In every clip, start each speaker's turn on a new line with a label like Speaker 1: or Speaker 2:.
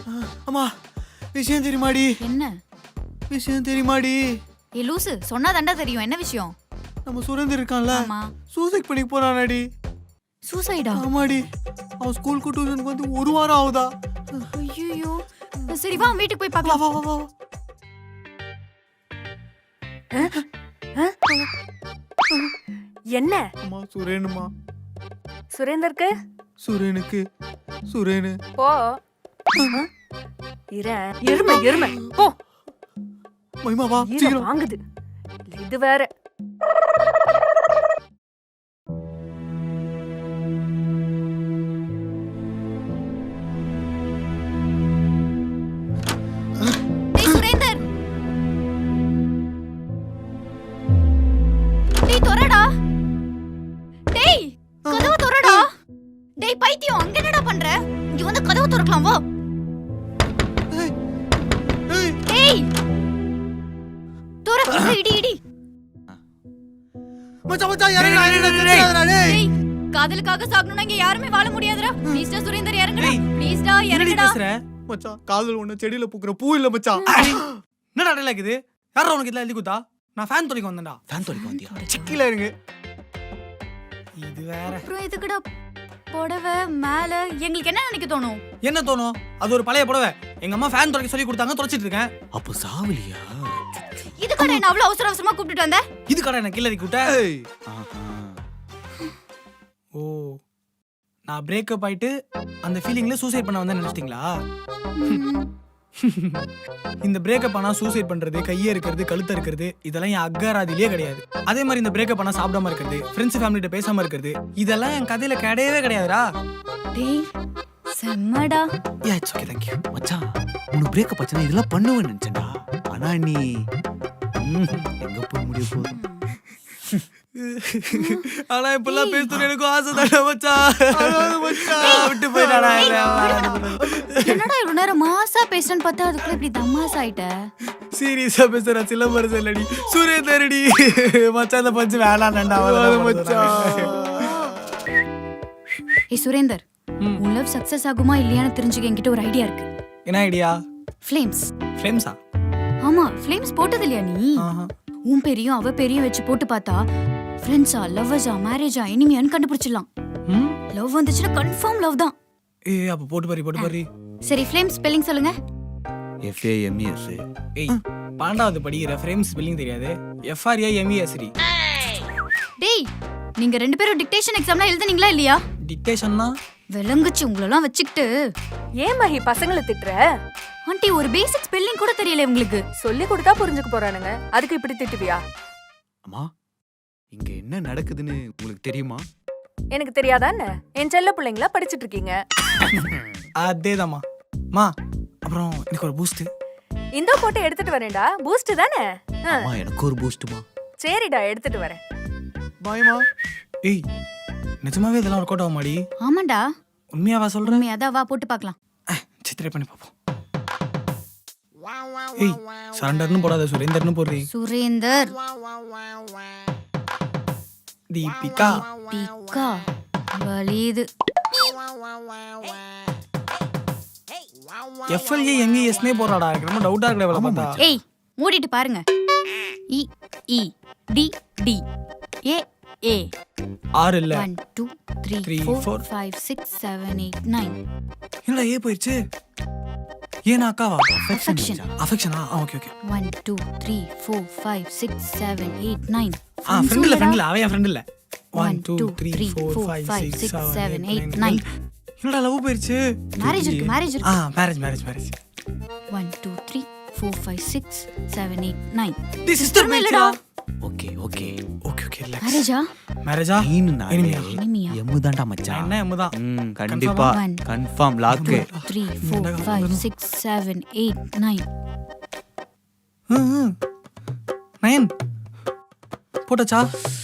Speaker 1: அம்மா விஷயம் தெரியுமாடி?
Speaker 2: என்ன
Speaker 1: விஷயம் தெரியுமாடி?
Speaker 2: ஏ லூசு, சொன்னா தாண்டா தெரியும். என்ன விஷயம்?
Speaker 1: நம்ம சுரேந்தர் இருக்கான்ல,
Speaker 2: ஆமா.
Speaker 1: சூசைட் பண்ணி போறானாடி.
Speaker 2: சூசைடா?
Speaker 1: ஆமாடி. அவன் ஸ்கூலுக்கு டியூஷனுக்கு வந்து 1 வாரம் ஆகுதா.
Speaker 2: ஐயோ. சரி வா வீட்டுக்கு போய் பார்க்கலாம்.
Speaker 1: வா வா வா.
Speaker 3: என்ன?
Speaker 1: அம்மா சுரேனுமா.
Speaker 3: சுரேந்தருக்கு?
Speaker 1: சுரேனுக்கு. சுரேனு.
Speaker 3: போ. எருமை எருமை போ.
Speaker 1: மைமா வா சீக்கிரம்.
Speaker 3: வாங்குது. இது வேற.
Speaker 2: டேய் சுரேந்தர். டேய் தொறடா. டேய் கதவு தொறடா. டேய் பைத்தியம், அங்க என்னடா பண்ற? இங்க வந்து கதவு திறக்கலாம் வா. டேய் தொற. இடி இடி.
Speaker 1: மச்சான் மச்சான் இறங்குடா டேய்.
Speaker 2: டேய் காதலுக்காக சாகணும்னா இங்க யாருமே வாழ முடியாதுடா. ப்ளீஸ் டா சுரேந்தர் இறங்குடா. ப்ளீஸ் டா இறங்குடா.
Speaker 1: மச்சான் காதல் ஒண்ணு செடியில பூக்குற பூ இல்ல மச்சான்.
Speaker 4: என்னடா டேல இருக்குது? யாரா உனக்கு இதெல்லாம் எழுதி கொடுத்தா? நான் ஃபேன் தொலைக்க வந்தேன்டா.
Speaker 1: ஃபேன் தொலைக்க வந்தியா? சிக்கில இருங்க.
Speaker 4: இது வேற.
Speaker 2: அப்புறம் எதுக்குடா புடவை மேல? எங்களுக்கு என்ன நினைக்க தோணும்?
Speaker 4: என்ன தோணும்? அது ஒரு பழைய புடவை. எங்க அம்மா ஃபேன் தொலைக்க சொல்லி கொடுத்தாங்க, தொலைச்சிட்டு இருக்கேன்.
Speaker 1: அப்போ சாவலியா?
Speaker 2: இதுக்காக என்ன அவ்வளவு அவசர அவசரமா கூப்பிட்டு வந்த?
Speaker 4: இது கடை எனக்கு கில்லடி கூட்ட. ஓ, நான் பிரேக்கப் ஆயிட்டு அந்த ஃபீலிங்ல சூசைட் பண்ண வந்தேன்னு நினைச்சிட்டீங்களா? இந்த பிரேக்கப் ஆனா சூசைட் பண்றது, கையே இருக்கிறது, கழுத்த இருக்கிறது, இதெல்லாம் என் அக்கராதிலேயே கிடையாது. அதே மாதிரி இந்த பிரேக்கப் ஆனா சாப்பிடாம இருக்கிறது, ஃப்ரெண்ட்ஸ் ஃபேமிலிட்ட பேசாம இருக்கிறது, இதெல்லாம் என் கதையில கிடையவே கிடையாதுடா.
Speaker 2: டேய் செம்மடா.
Speaker 1: Yeah it's okay thank you. மச்சான் உனக்கு பிரேக்கப் ஆச்சுனா இதெல்லாம் பண்ணுவேன்னு நினைச்சேன்டா. ஆனா நீ எங்க போய் முடிய போகுது?
Speaker 4: ஆனா இப்பெல்லாம் பேசணும் எனக்கு ஆசை தானே மச்சான். விட்டு போயிடாடா.
Speaker 2: என்னடா இவ்வளவு நேரம் மாசா பேசுறேன்னு பார்த்தா அதுக்குள்ள இப்படி தமாஸ் ஆயிட்ட.
Speaker 4: சீரியஸா பேசுற சிலம்பரசன் இல்லடி, சுரேந்தரடி. மச்சான் அந்த பஞ்சு வேணாம்டா மச்சான்.
Speaker 2: ஏய் சுரேந்தர், உன் லவ் சக்சஸ் ஆகுமா இல்லையான்னு தெரிஞ்சுக்க என்கிட்ட ஒரு ஐடியா இருக்கு.
Speaker 4: என்ன ஐடியா?
Speaker 2: ஃப்ளேம்ஸ்.
Speaker 4: ஃப்ளேம்ஸா?
Speaker 2: ஆமா, ஃப்ளேம்ஸ் போட்டது இல்லையா நீ? உன் பேரையும் அவ பேரையும் வச்சு போட்டு பார்த்தா ஃப்ரெண்ட்ஸா, லவ்வர்ஸா, மேரேஜா, எனிமியான்னு கண்டுபிடிச்சிடலாம். லவ் வந்துச்சுன்னா கன்ஃபார்ம் லவ் தான்.
Speaker 4: ஏய் அப்ப போட்டு பாரு.
Speaker 2: சரி ஃப்ளேம் ஸ்பெல்லிங் சொல்லுங்க.
Speaker 1: FAMES.
Speaker 4: ஏய் 12வது படிக்கிற ஃப்ரேம்ஸ் ஸ்பெல்லிங் தெரியாது? FRAMES டி.
Speaker 2: டேய் நீங்க ரெண்டு பேரும் டிக்டேஷன் எக்ஸாம்லாம் எழுதுனீங்களா இல்லையா?
Speaker 4: டிக்டேஷன்னா
Speaker 2: விளங்குச்சு உங்களெல்லாம் வச்சுக்கிட்டு.
Speaker 3: ஏன் மகி பசங்களை திட்டுற?
Speaker 2: ஆண்டி ஒரு பேசிக் ஸ்பெல்லிங் கூட தெரியல உங்களுக்கு.
Speaker 3: சொல்லி கொடுத்தா புரிஞ்சுக்க போறானுங்க, அதுக்கு இப்படி திட்டுவியா?
Speaker 1: அம்மா இங்க என்ன நடக்குதுன்னு உங்களுக்கு தெரியுமா?
Speaker 3: எனக்கு தெரியாதா என்ன? என் செல்ல பிள்ளைங்களா படிச்சிட்டு இருக்கீங்க.
Speaker 4: அதேதாம்மா. மா அப்புறம் எனக்கு ஒரு பூஸ்ட்.
Speaker 3: இந்த போட்டு எடுத்துட்டு வரேன்டா. பூஸ்ட் தானே?
Speaker 1: அம்மா எனக்கு ஒரு பூஸ்ட்மா.
Speaker 3: சரிடா எடுத்துட்டு வரேன்.
Speaker 1: பாய்மா.
Speaker 4: ஏய் நிஜமாவே இதெல்லாம் ஒர்க் அவுட் ஆகுமாடி?
Speaker 2: ஆமாண்டா.
Speaker 4: உண்மையாவா சொல்றேன்?
Speaker 2: உண்மையாதான், வா போட்டு பார்க்கலாம்.
Speaker 4: சித்திரை பண்ணி பாப்போம். ஏய் சரண்டர்னு போடாத, சுரேந்தர்னு போடுறீ.
Speaker 2: சுரேந்தர்.
Speaker 4: தீபிகா.
Speaker 2: பிகா வலிது.
Speaker 4: FLAMESனே போறாடா. எனக்கு ரொம்ப டவுட்டா இருக்குடா இவள பார்த்தா.
Speaker 2: ஏய் மூடிட்டு பாருங்க. E E D D A A
Speaker 4: 6 இல்ல
Speaker 2: 1 2 3 4 5 6 7 8 9.
Speaker 4: என்னடா ஏ போயிடுச்சு? ஏனா அக்காவா?
Speaker 2: Affection.
Speaker 4: அஃபெக்ஷனா? ஓகே
Speaker 2: 1 2 3 4 5 6 7 8 9.
Speaker 4: ஃப்ரெண்ட் இல்ல அவ என் ஃப்ரெண்ட் இல்ல.
Speaker 2: 1 2 3 4 5 6 7 8 9.
Speaker 4: என்னடா லவ் போயிடுச்சு?
Speaker 2: மேரேஜ் இருக்கு.
Speaker 4: மேரேஜ்.
Speaker 2: 1 2 3 4 5 6 7 8 9.
Speaker 4: தி சிஸ்டர் மேலடா.
Speaker 1: ஓகே
Speaker 2: மேரேஜா?
Speaker 4: மேரேஜா?
Speaker 1: எனிமியா?
Speaker 2: எனிமியா?
Speaker 1: எம்முதான்டா மச்சான்.
Speaker 4: என்ன எம்முதான்?
Speaker 1: கண்டிப்பா கன்ஃபார்ம் லாக்.
Speaker 2: 3 4 5 6 7 8 9.
Speaker 4: 9 போட்டாச்சா?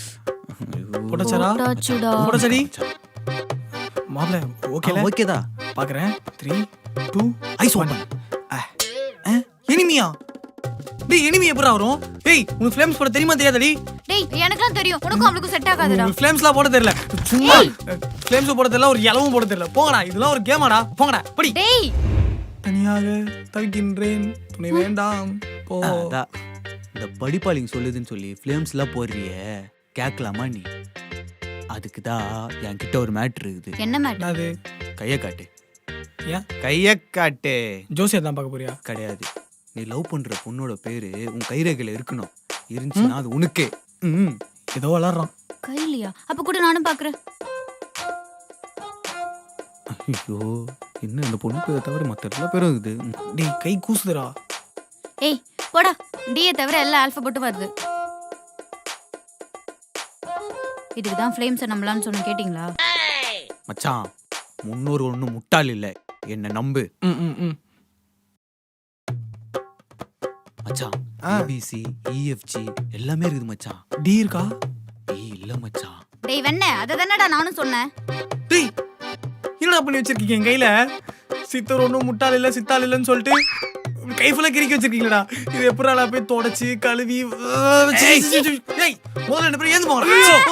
Speaker 4: போட்டாச்சடி? மாப்ள ஓகேல?
Speaker 1: ஓகேதா.
Speaker 4: பாக்குறேன். 3 2 ஐஸ் ஓபன். எனிமியா? டேய் எனிமி எப்பறா வரும்? ஏய் உனக்கு ஃப்ளேம்ஸ் போட தெரியுமா தெரியாதடி?
Speaker 2: டேய் எனக்குலாம் தெரியும், உனக்கும் அவளுக்கும் செட் ஆகாதுடா.
Speaker 4: உங்களுக்கு ஃப்ளேம்ஸ்லாம் போட தெரியல. சும்மா ஃப்ளேம்ஸ் போட தெரியல, ஒரு இலவும் போட தெரியல. போங்கடா, இதெல்லாம் ஒரு கேமாடா. போங்கடா படி.
Speaker 2: டேய்
Speaker 4: தனியாக தவிக்கின்றேன் துணை வேண்டாம் போ.
Speaker 1: அதான் இந்த படிப்பாளிங்க சொல்லுதுன்னு சொல்லி ஃபிலிம்ஸ்லாம் போடுறிய கேட்கலாமா நீ? அதுக்கு தான் என்கிட்ட ஒரு மேட்ரு இருக்குது.
Speaker 2: என்ன மேட்டர்?
Speaker 4: அது
Speaker 1: கையை காட்டு.
Speaker 4: ஏன்
Speaker 1: கையை காட்டு.
Speaker 4: ஜோசியர் தான் பார்க்க போறியா?
Speaker 1: கிடையாது. நீ லவ் பண்ற பொண்ணோட பேரு உன் கைரேகையில இருக்கணும். இருந்துச்சுன்னா அது உனக்கே. ம்.
Speaker 4: ஏதோ வளர்றான்.
Speaker 2: கையிலையா? அப்ப கூட நானும் பாக்குறேன்.
Speaker 1: ஐயோ என்ன இந்த பொண்ணு பேரை தவிர மற்ற எல்லா பேரும் இருக்குது.
Speaker 4: டேய் கை கூசுதுடா.
Speaker 2: ஏய் போடா, டியை தவிர எல்லா ஆல்பபெட்டும் வருது. இதுக்கு தான் ஃப்ளேம்ஸை நம்பலான்னு சொன்ன, கேட்டிங்களா?
Speaker 1: மச்சான் முன்னோர் ஒன்றும் முட்டாள் இல்லை, என்ன நம்பு. மச்சான் ABC EFG எல்லாமே இருக்குது மச்சான்.
Speaker 4: டி இருக்கா?
Speaker 1: டி இல்ல மச்சான்.
Speaker 2: டேய் வெண்ணே, அதை தானடா நானும் சொன்னேன்.
Speaker 4: டேய் என்னடா பண்ணி வச்சிருக்கீங்க என் கையில? சித்தர் ஒன்றும் முட்டாள் இல்லை சித்தாள் இல்லைன்னு சொல்லிட்டு கை ஃபுல்லாக கிறுக்கி வச்சிருக்கீங்களா? இது எப்படா போய் தொடச்சி கழுவி முதல்ல என்ன பேர் ஏந்து போங்க.